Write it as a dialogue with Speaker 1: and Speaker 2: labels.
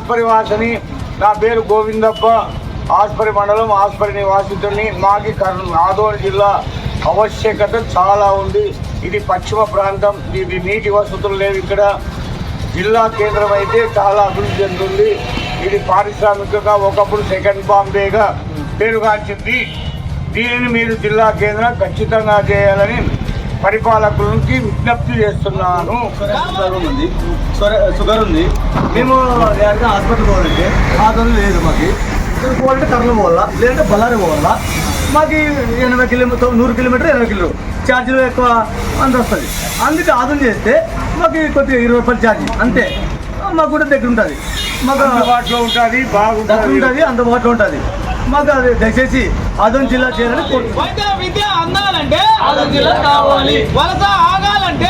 Speaker 1: ఆస్పరి వాసని. నా పేరు గోవిందప్ప, ఆస్పరి మండలం, ఆస్పరి నివాసితుని. మాకి ఆదోని జిల్లా ఆవశ్యకత చాలా ఉంది. ఇది పశ్చిమ ప్రాంతం, ఇది నీటి వసతులు లేవు. ఇక్కడ జిల్లా కేంద్రం అయితే చాలా అభివృద్ధి చెందుతుంది. ఇది పారిశ్రామికంగా ఒకప్పుడు సెకండ్ బాంబేగా పేరుగాంచింది. దీనిని మీరు జిల్లా కేంద్రం ఖచ్చితంగా చేయాలని పరిపాలకులకి విజ్ఞప్తి చేస్తున్నాను.
Speaker 2: షుగర్ ఉంది, మేము హాస్పిటల్ పోవాలంటే ఆదరణ లేదు. మాకు ఇక్కడ పోవాలంటే కర్నూలు పోవాలా, లేదంటే బళ్ళారి పోవాలా. మాకు 80 కిలోమీటర్ 100 కిలోమీటర్ 80 కిలోమీటర్ ఛార్జీలు ఎక్కువ అంత వస్తుంది. అందుకే ఆదరణ చేస్తే మాకు కొద్దిగా 20 రూపాయలు ఛార్జీ అంతే. మాకు కూడా దగ్గర ఉంటుంది, మాకు
Speaker 1: అందుబాటులో ఉంటుంది,
Speaker 2: బాగుంటుంది, అందుబాటులో ఉంటుంది. మాకు అది దయచేసి ఆదోని జిల్లా చేయాలని
Speaker 3: విద్య అందాలంటే ఆదోని జిల్లా కావాలి. వలస ఆగాలంటే